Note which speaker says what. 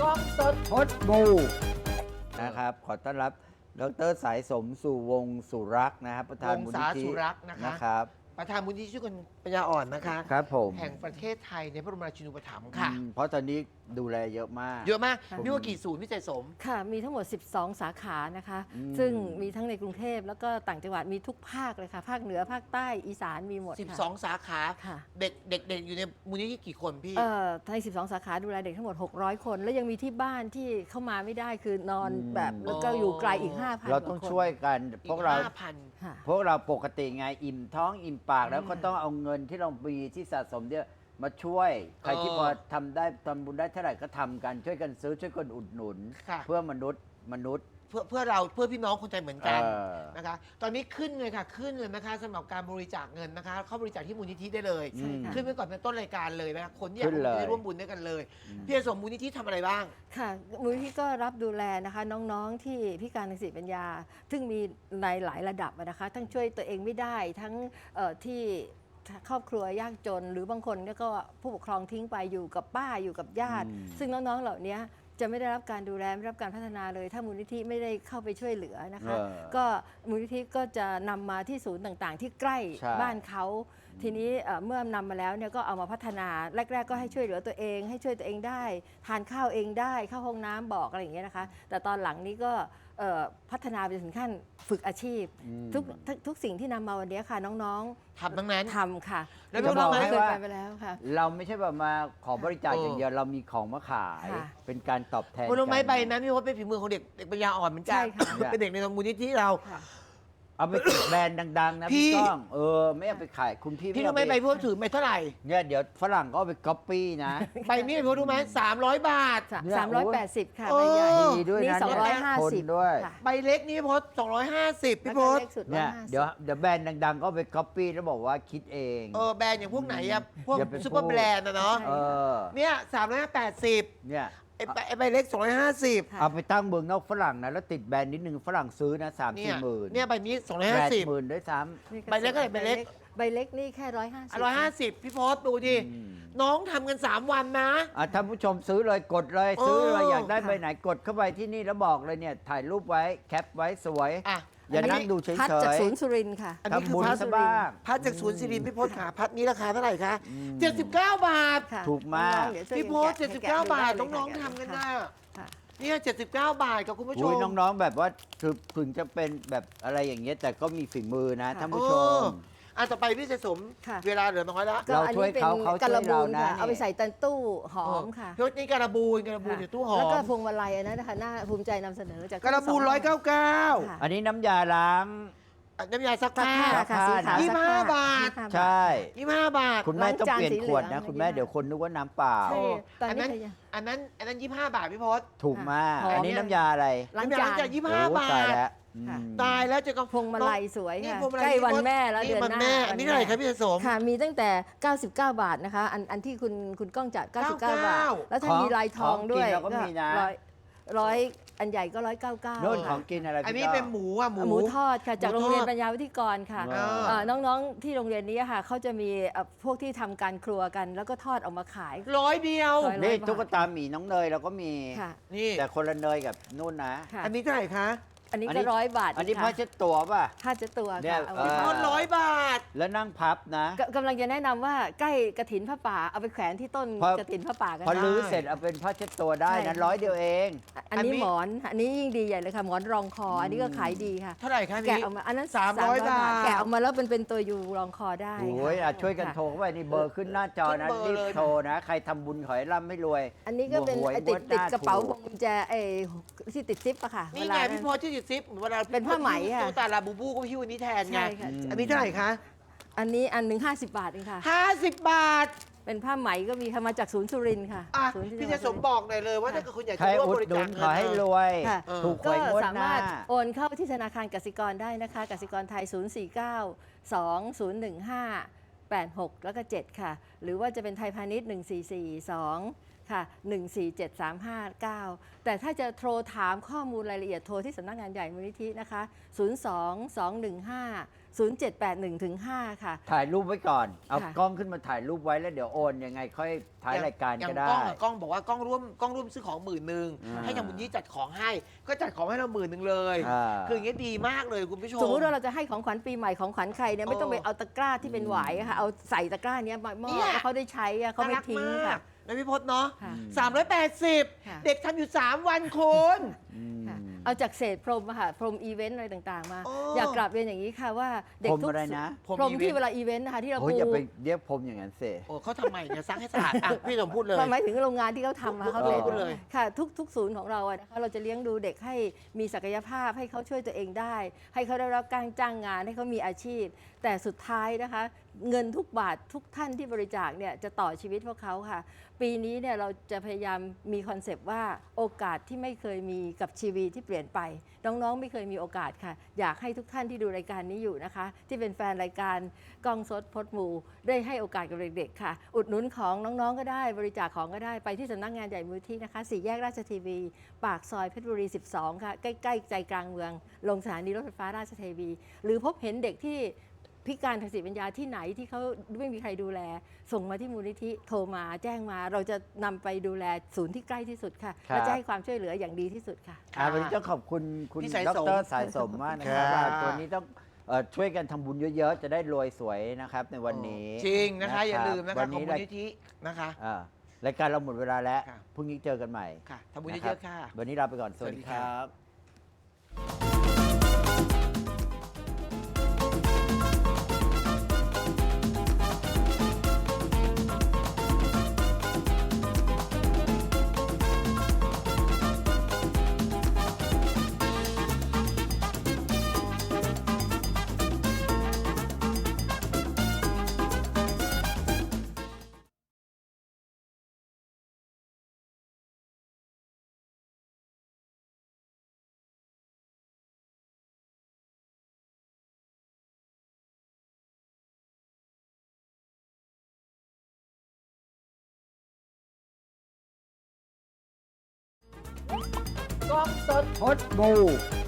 Speaker 1: กล้องสด
Speaker 2: พดบูนะครับขอต้อนรับดร.สายสมสู่วงศ์สุรักษ์นะครับประธาน
Speaker 1: วง
Speaker 2: มูล
Speaker 1: ศา
Speaker 2: นิธิ
Speaker 1: สุรักษ์นะคะ
Speaker 2: นะครับ
Speaker 1: ประธานมูลนิธิช่วยคนปัญญาอ่อนนะคะ
Speaker 2: ครับผม
Speaker 1: แห่งประเทศไทยในพระบรมราชินูปถัมภ์ค่ะ
Speaker 2: เพราะตอนนี้ดูแลเยอะมาก
Speaker 1: เยอะมาก
Speaker 3: ค่ะ
Speaker 1: มีว่ากี่ศูนย์พี่ใจสม
Speaker 3: ค่ะ มีทั้งหมด 12 สาขานะคะ
Speaker 2: ซึ่
Speaker 3: ซึ่
Speaker 2: ง
Speaker 3: งมีทั้งในกรุงเทพแล้วก็ต่างจังหวัดมีทุกภาคเลยค่ะ ภาคเหนือภาคใต้อีสานมีหมดค่ะ
Speaker 1: 12 สาขา
Speaker 3: ค่ะ
Speaker 1: เด็กอยู่ในมูลนิธิกี่คนพี่
Speaker 3: ใน 12 สาขาดูแลเด็กทั้งหมด 600 คน แล้วยังมีที่บ้านที่เข้ามาไม่ได้คือนอนแบบแล้วก็อยู่ไกลอีก 5,000
Speaker 2: เราต้องช่วยกัน
Speaker 1: อี
Speaker 2: พว
Speaker 1: ก
Speaker 2: กเรา
Speaker 1: 5,000
Speaker 3: ค่ะ
Speaker 2: พวกเราปกติไงอิ่มท้องอิ่มปากแล้วก็ต้องเอาเงินที่เรามีที่สะสมเนี่ยมาช่วย ใครที่พอทำได้ทำบุญได้เท่าไหร่ก็ทำกันช่วยกันซื้อช่วยกันอุดหนุน
Speaker 1: ค่ะ
Speaker 2: เพื่อมนุษย์
Speaker 1: เพื่อเราเพื่อพี่น้องคนไทยเหมือนกัน
Speaker 2: เออ
Speaker 1: นะคะ ตอนนี้ขึ้นเลยค่ะขึ้นเลยนะคะสำหรับการบริจาคเงินนะคะ เข้าบริจาคที่มูลนิธิได้เลย
Speaker 3: ใช่ค่ะ
Speaker 1: ขึ้นไปก่อนเป็นต้นรายการเลยนะคะคนที่อยาก
Speaker 2: ขึ้นเลย
Speaker 1: ได้ร่วมบุญด้วยกันเลย พี่ใจสมมูลนิธิทำอะไรบ้าง
Speaker 3: ค่ะมูลนิธิก็รับดูแลนะคะน้องๆที่พิการทางสติปัญญา ซึ่งมีในหลายระดับอะนะคะ ทั้งช่วยตัวเองไม่ได้ทั้งที่ครอบครัวยากจน หรือบางคนเนี่ยก็ผู้ปกครองทิ้งไปอยู่กับป้าอยู่กับญาติ ซึ่งน้องๆเหล่านี้จะไม่ได้รับการดูแลไม่ได้รับการพัฒนาเลย ถ้ามูลนิธิไม่ได้เข้าไปช่วยเหลือนะคะ ก็มูลนิธิก็จะนำมาที่ศูนย์ต่างๆ ที่ใกล้
Speaker 2: ใช่
Speaker 3: บ้านเขา ทีนี้เมื่อนำมาแล้วเนี่ยก็เอามาพัฒนาแรก ๆ ก็ให้ช่วยเหลือตัวเอง ให้ช่วยตัวเองได้ทานข้าวเองได้เข้าห้องน้ำบอกอะไรอย่างเงี้ยนะคะ แต่ตอนหลังนี้ก็พัฒนาไปถึงขั้นฝึกอาชีพ ทุกสิ่งที่นำมาวันนี้ค่ะน้อง
Speaker 1: ทำทั้งนั้น
Speaker 3: ๆทำค่ะ
Speaker 1: แล้ว
Speaker 3: น้
Speaker 1: น้
Speaker 3: อ
Speaker 1: อง งๆ
Speaker 3: ๆเคย
Speaker 2: ว่า
Speaker 3: ไปแล้วค่ะ
Speaker 2: เราไม่ใช่แบบมาขอบริจาคอย่างเดียวเรามีของมาขาย
Speaker 3: ค่ะ
Speaker 2: เป็นการตอบแทน
Speaker 1: ผลไม้
Speaker 2: กัน
Speaker 1: ใบนั้นพี่ว่าเป็นฝีมือของเด็กปัญญาอ่อนเหมือนกั
Speaker 3: ใช่
Speaker 1: น
Speaker 3: ค่ะ
Speaker 1: เป็นเด็กในมูลนิธิเรา
Speaker 3: ค่ะ
Speaker 2: เอาไปติดแบรนด์ดัง ๆ นะ
Speaker 1: พี่
Speaker 2: พี่ก้องไม่เอาไปขายคุณพี่
Speaker 1: พี่
Speaker 2: ไม่
Speaker 1: รู้
Speaker 2: เอา
Speaker 1: ไหม
Speaker 2: ไป
Speaker 1: ใบพี่ว่าถือไปเท่าไหร่
Speaker 2: เนี่ยเดี๋ยวฝรั่งก็เอาไปก๊อปปี้นะ
Speaker 1: ใบนี้พี่ว่ารู้ไหม300 บาท
Speaker 2: เนี่ย
Speaker 3: 380 ค่ะ
Speaker 1: โอ้
Speaker 3: ใบใหญ่
Speaker 2: ดีด้วยนะ
Speaker 3: นี่
Speaker 2: เนี่ยคน
Speaker 3: 250
Speaker 2: ด้วย
Speaker 3: ค่ะ
Speaker 1: ใบเล็กนี่พี่พศ250 พี่
Speaker 3: แล้ว
Speaker 1: พ
Speaker 3: ก็
Speaker 1: ศ
Speaker 3: เล็กสุด
Speaker 2: เนี่ย
Speaker 3: 150
Speaker 2: เดี๋ยวแบรนด์ดัง ๆ ก็เอาไปก๊อปปี้แล้วบอกว่าคิดเอง
Speaker 1: แบรนด์อย่างพวกไหนอะพวก
Speaker 2: อย่าไป
Speaker 1: ซุปเปอร์
Speaker 2: พูด
Speaker 1: แบรนด์นะเนาะ
Speaker 3: ใช่
Speaker 2: เออ
Speaker 1: เนี่ย380
Speaker 2: เนี่ย
Speaker 1: ไอ้ใบเล็ก250
Speaker 3: ค่ะ
Speaker 2: เอาไปตั้งเมืองนอกฝรั่งนะแล้วติดแบรนด์นิดนึงฝรั่งซื้อนะ3
Speaker 1: เนี่ย
Speaker 2: 4หมื่น
Speaker 1: เนี่ยใบนี้
Speaker 2: 80,000ด้วยซ้
Speaker 3: นี่ก็
Speaker 1: ใบเล็กเท่าไหร่ใบเล็ก
Speaker 3: ใบเล็กนี่แค่150
Speaker 1: 150 พี่พศดูดิ น้องทำกัน 3 วันนะ
Speaker 2: ท่านผู้ชมซื้อเลยกดเลยซื้อเลย
Speaker 1: เออ
Speaker 2: อยากได้
Speaker 3: ค่ะ
Speaker 2: ใบไหนกดเข้าไปที่นี่แล้วบอกเลยเนี่ยถ่ายรูปไว้แคปไว้สวย
Speaker 1: อ่ะ
Speaker 2: อย่านั่งดูเฉ
Speaker 3: พัดจาก
Speaker 2: ย
Speaker 3: ศูนย์สุรินทร์ค่ะ
Speaker 1: อันนี้คือ
Speaker 2: ทำบุญ
Speaker 1: พัด
Speaker 2: ซะบ้าง
Speaker 1: พัดจากศูนย์สิรินทร์พี่พศขาพัดนี้ราคาเท่าไหร่คะ79 บาท
Speaker 3: ค่ะ
Speaker 2: ถูกมาก
Speaker 3: น้องๆเดี๋ยวช่วย
Speaker 1: พี่พศ
Speaker 3: กันแกะ
Speaker 1: 79 บาท
Speaker 3: ให้แกะดูได้เลย
Speaker 1: น้องๆ
Speaker 3: ค่ะ
Speaker 1: ทำกัน
Speaker 3: ค่ะ
Speaker 1: น่ะ
Speaker 3: ค่ะ
Speaker 1: เนี่ย79 บาทกับคุณผู้ช
Speaker 2: อุ้ย
Speaker 1: ม
Speaker 2: น้องๆแบบว่าถึงจะเป็นแบบอะไรอย่างเงี้ยแต่ก็มีฝีมือนะ
Speaker 3: ค่ะ
Speaker 2: ท่านผู้ชม
Speaker 1: ต่อไปพี่จะสม
Speaker 3: ค่ะ
Speaker 1: เวลาเหลือน้อยแล้ว
Speaker 3: ก็
Speaker 2: เรา
Speaker 3: อัน
Speaker 2: ช่วย
Speaker 3: นี้เป็น
Speaker 2: เขาเขา
Speaker 3: ก
Speaker 2: ช่วย
Speaker 3: ระบูน
Speaker 2: เรานะ
Speaker 3: ค่ะ
Speaker 2: นี่
Speaker 3: เอาไปใส่ตันตู้หอมค่ะ
Speaker 1: พี่พศนี่การบูนอยู่ตู้หอ
Speaker 3: แล้วก็
Speaker 1: ม
Speaker 3: พวงมาลัยอันนั้นนะคะน่าภูมิใจนำเสนอจาก
Speaker 1: การบูน
Speaker 3: ค่ะ
Speaker 1: 199
Speaker 2: อันนี้น้ำยาล้าง
Speaker 1: น้ำยาซัก
Speaker 3: ซัก
Speaker 1: ผ้า
Speaker 3: ผ้าค่ะสีขาว
Speaker 1: ยี่สิบห้า
Speaker 3: ซักผ้
Speaker 1: บาท
Speaker 3: 25
Speaker 2: ใช่
Speaker 1: 25 บาท
Speaker 2: คุณแม่ต้อง
Speaker 3: ล้างจาน
Speaker 2: เปลี่ยน
Speaker 3: สี
Speaker 2: ขวด
Speaker 3: เหลื
Speaker 2: นะ
Speaker 3: อง
Speaker 2: คุณแม่
Speaker 3: อะไร
Speaker 2: เดี๋ยวคนนึกว่าน้ำเปล่า
Speaker 3: ใช่ตอน
Speaker 1: อัน
Speaker 3: นี้
Speaker 1: นั้น
Speaker 3: ขยะ
Speaker 1: อันนั้น25 บาทพี่พศ
Speaker 2: ถูกมาก
Speaker 3: หอม
Speaker 2: อันนี้น้ำยาอะไร
Speaker 3: ล้าง
Speaker 1: น้ำยา
Speaker 3: จา
Speaker 1: ล้างจาน
Speaker 3: น
Speaker 1: 25
Speaker 2: โอ้
Speaker 1: บา
Speaker 2: ตาย
Speaker 1: ท
Speaker 2: แล้ว
Speaker 3: ค่ะ
Speaker 1: ตายแล้วจะก็
Speaker 3: พวงมาลัยสวย
Speaker 1: นี่
Speaker 3: ค่ะ
Speaker 1: พวงมาลัย
Speaker 3: ใกล้วันแม่แล้ว
Speaker 1: นี่
Speaker 3: เดือน
Speaker 1: วัน
Speaker 3: หน้า
Speaker 1: แม่อันนี้เท่าไหร่ครับพี่จะสม
Speaker 3: ค่ะมีตั้งแต่ 99 บาทนะคะอันที่คุณก้องจัด 99 บาท แล้วถ้ามีลายทองด้วย
Speaker 2: ของกินเราก็มีนะ
Speaker 3: ร้อยอันใหญ่ก็ 199
Speaker 2: โน่นข
Speaker 3: ค่ะ
Speaker 2: องกินอะไร
Speaker 1: อันนี้
Speaker 2: พี่ก้ง
Speaker 1: เป็นหมูอ่ะหมู
Speaker 3: หมูทอดค่ะจาก
Speaker 1: หมูทอด
Speaker 3: โรงเรียนปัญญาวิทยกรค่ะ
Speaker 2: อ่า
Speaker 3: น้องๆที่โรงเรียนนี้ค่ะเขาจะมีพวกที่ทำการครัวกัน แล้วก็ทอดออกมาขาย
Speaker 1: 100 เดียว
Speaker 3: ร้อย
Speaker 2: นี่
Speaker 3: บาท
Speaker 2: ตุ๊กตาหมีน้องเนยเราก็มี
Speaker 3: ค่ะ
Speaker 1: นี่
Speaker 2: แต่คนละเนยกับนู่นนะ
Speaker 3: ค่ะ
Speaker 1: อันนี้เท่าไหร่คะ
Speaker 3: อันนี้
Speaker 2: อันนี้
Speaker 3: ก็100 บาท
Speaker 2: อันนี้
Speaker 3: ค่ะ
Speaker 2: ผ้าเช็ดตัวป่ะ
Speaker 3: ผ้าเช็ดตัว
Speaker 2: เนี่ย
Speaker 3: ค่ะเอา
Speaker 2: เอ
Speaker 3: ไว้
Speaker 2: อ
Speaker 1: ทอน100 บาท
Speaker 2: แล้วนั่งพับนะ
Speaker 3: กำลังจะแนะนำว่าใกล้กระถินผ้าป่าเอาไปแขวนที่ต้น
Speaker 2: พอ
Speaker 3: กระถินผ้าป่ากัน
Speaker 2: พอ
Speaker 3: นะ
Speaker 2: ลื้อเสร็จเอาเป็นผ้าเช็ดตัวได้
Speaker 3: ใช่
Speaker 2: นะ
Speaker 3: ค่ะ
Speaker 2: 100 เดียวเอง
Speaker 3: อันนี้หมอนอันนี้ยิ่งดีใหญ่เลยค่ะหมอนรองคออันนี้ก็ขายดีค่ะ
Speaker 1: เท่าไหร่คะ
Speaker 3: แกะ
Speaker 1: นี่
Speaker 3: ออกมาอันนั้น
Speaker 1: 300 บาท
Speaker 3: แกะออกมาแล้วเป็นตัวยูรองคอได้
Speaker 2: โอ้ย
Speaker 3: ค่ะ
Speaker 2: ช่วยกันโทรเข้าไปนี่เบอร์ขึ้นหน้าจอนะ
Speaker 1: ขึ้นเบอร์
Speaker 2: รีบ
Speaker 1: เลย
Speaker 2: โทรนะ ใครทำบุญขอให้ร่ำให้รวย
Speaker 3: อันนี้ก็เป็น
Speaker 2: หวย
Speaker 3: ไอ้ติด
Speaker 2: งวห
Speaker 3: ติด
Speaker 2: น้
Speaker 3: กระเป๋า
Speaker 2: ถู
Speaker 3: พวงกุญแจที่ติดซิปอะค่ะ
Speaker 1: นี่
Speaker 3: เว
Speaker 1: ไง
Speaker 3: ลา
Speaker 1: พี่พศที่ติดซิปเวลา
Speaker 3: เป็นผ้าไหมอะ
Speaker 1: ตุ๊กตาลาบูบูก็พี่วันนี้แทนไง
Speaker 3: ใช่ค่ะ
Speaker 1: อันนี้เท่าไหร่คะ
Speaker 3: อันนี้อันหนึ่ง50 บาทเองค่ะ
Speaker 1: 50 บาท
Speaker 3: เป็นผ้าไหมก็มีค่ะมาจากศูนย์สุรินทร์ค่ะ
Speaker 1: อ่ะ
Speaker 3: ศูนย์ที่
Speaker 1: พี่
Speaker 3: จั
Speaker 1: จะ
Speaker 3: งห
Speaker 1: ส
Speaker 3: วัด
Speaker 1: ม
Speaker 3: สุรินทร์
Speaker 1: บอกหน่อยเลยว่าถ้าเกิดคุณอยาก
Speaker 2: ใคร
Speaker 1: จะร่วม
Speaker 2: อุ
Speaker 1: บ
Speaker 2: ด
Speaker 1: ริ
Speaker 2: หนุ
Speaker 1: จาน ค
Speaker 2: ขอให้รวย
Speaker 3: ค่ะ
Speaker 2: ถูกห
Speaker 3: ก็
Speaker 2: วยงวด
Speaker 3: สา
Speaker 2: หน้า
Speaker 3: มารถโอนเข้าที่ธนาคารกสิกรได้นะคะกสิกรไทย 049-2015-86 แล้วก็ 7 ค่ะ หรือว่าจะเป็นไทยพาณิชย์ 1442 ค่ะ 147359 แต่ถ้าจะโทรถามข้อมูลรายละเอียดโทรที่สำนักงานใหญ่มูลนิธินะคะ 02215 0781-5 ค่ะ
Speaker 2: ถ่ายรูปไว้ก่อน เอา
Speaker 3: ค่ะ
Speaker 2: กล้องขึ้นมาถ่ายรูปไว้แล้วเดี๋ยวโอนยังไงค่อยท้ายรายการ
Speaker 1: อย่
Speaker 2: ก็
Speaker 1: ง
Speaker 2: ได้
Speaker 1: กล้องบอกว่ากล้องร่วมซื้อของ10,000
Speaker 2: อ่า
Speaker 1: ให้ทางบุญยี่จัดของให้ ก็จัดของให้เรา10,000เลย
Speaker 2: อ่า
Speaker 1: คืออย่างเงี้ยดีมากเลยคุณผู้ชม
Speaker 3: สมมติว่าเราจะให้ของขวัญปีใหม่ของขวัญใครเนี่ยไม่ต้องไปเอาตะกร้าที่เป็นหวายอะค่ะเอาใส่ตะกร้าเนี้ยมามอบ
Speaker 1: เนี่ย
Speaker 3: ให้เขาได้ใช้อะเขาไม่ทิ้ง
Speaker 1: น่ารักมา
Speaker 3: ค่ะ
Speaker 1: กนะพี่พจน์เนาะ
Speaker 3: ค่ะ
Speaker 1: 380
Speaker 3: ค่ะ
Speaker 1: เด็กทำอยู่ 3 วันคุณ
Speaker 3: ค่ะเอาจากเศษพรมอะค่ะพรมอีเวนต์อะไรต่างๆมา
Speaker 1: โอ้
Speaker 3: อยากกลับเรียนอย่างนี้ค่ะว่าเด็ก
Speaker 2: พรม
Speaker 3: ทุก
Speaker 2: อะไรนะ
Speaker 3: พรมที่เวลาอีเวนต์นะคะที่เรา
Speaker 2: โอ้ย
Speaker 3: ปู
Speaker 2: อย่าไปเรียกผมอย่างนั้นเส
Speaker 1: โอ้เขาทำไมเนี่ยซักให้สะอาดอ่ะพี่สมพูดเลย
Speaker 3: หมายถึงโรงงานที่เขาทำมาเขา
Speaker 1: พูด
Speaker 3: เรี
Speaker 1: เลย ยพูดเลย
Speaker 3: ค่ะทุกศูนย์ของเราอะนะคะเราจะเลี้ยงดูเด็กให้มีศักยภาพให้เขาช่วยตัวเองได้ ให้เขาได้รับการจ้างงานให้เขามีอาชีพ แต่สุดท้ายนะคะ เงินทุกบาททุกท่านที่บริจาคเนี่ยจะต่อชีวิตพวกเขาค่ะ ปีนี้เนี่ยเราจะพยายามมีคอนเซปต์ว่าโอกาสที่ไม่เคยมีกับชีวิตที่เปลี่ยนไป น้องๆไม่เคยมีโอกาสค่ะ อยากให้ทุกท่านที่ดูรายการนี้อยู่นะคะ ที่เป็นแฟนรายการกล้องสดพดหมูได้ให้โอกาสกับเด็กๆค่ะ อุดหนุนของน้องๆก็ได้ บริจาคของก็ได้ไปที่สำนักงานใหญ่มูลที่นะคะ4 แยกราชทีวี ปากซอยเพชรบุรี 12 ค่ะ ใกล้ๆใจกลางเมือง ลงสถานีรถไฟฟ้าราชเทวี หรือพบเห็นเด็กที่พิการทางสติปัญญาที่ไหนที่เขาไม่มีใครดูแล ส่งมาที่มูลนิธิโทรมาแจ้งมา เราจะนำไปดูแลศูนย์ที่ใกล้ที่สุดค่ะ
Speaker 2: ครับ
Speaker 3: และจะให้ความช่วยเหลืออย่างดีที่สุดค่ะ
Speaker 2: วันนี้ต้องขอบคุณคุณ
Speaker 1: พี่สาย
Speaker 2: ด
Speaker 1: สม
Speaker 2: รสายสมมากนะครับ
Speaker 1: ค่ะ
Speaker 2: ว่าตัวนี้ต้องช่วยกันทำบุญเยอะๆ จะได้รวยสวยนะครับในวันนี้
Speaker 1: จริงนะคะ อย่าลืมนะคะ
Speaker 2: วัน
Speaker 1: ของ
Speaker 2: นี้
Speaker 1: มูลนิธินะคะ
Speaker 2: รายการเราหมดเวลาแล้ว
Speaker 1: ค่ะ
Speaker 2: พรุ่งนี้เจอกันใหม่
Speaker 1: ค่ะทำบุญ
Speaker 2: นะ
Speaker 1: เยอะๆค่ะ
Speaker 2: วันนี้ลาไปก่อน สวัสดีครับ
Speaker 1: กล้องสด
Speaker 2: พดบู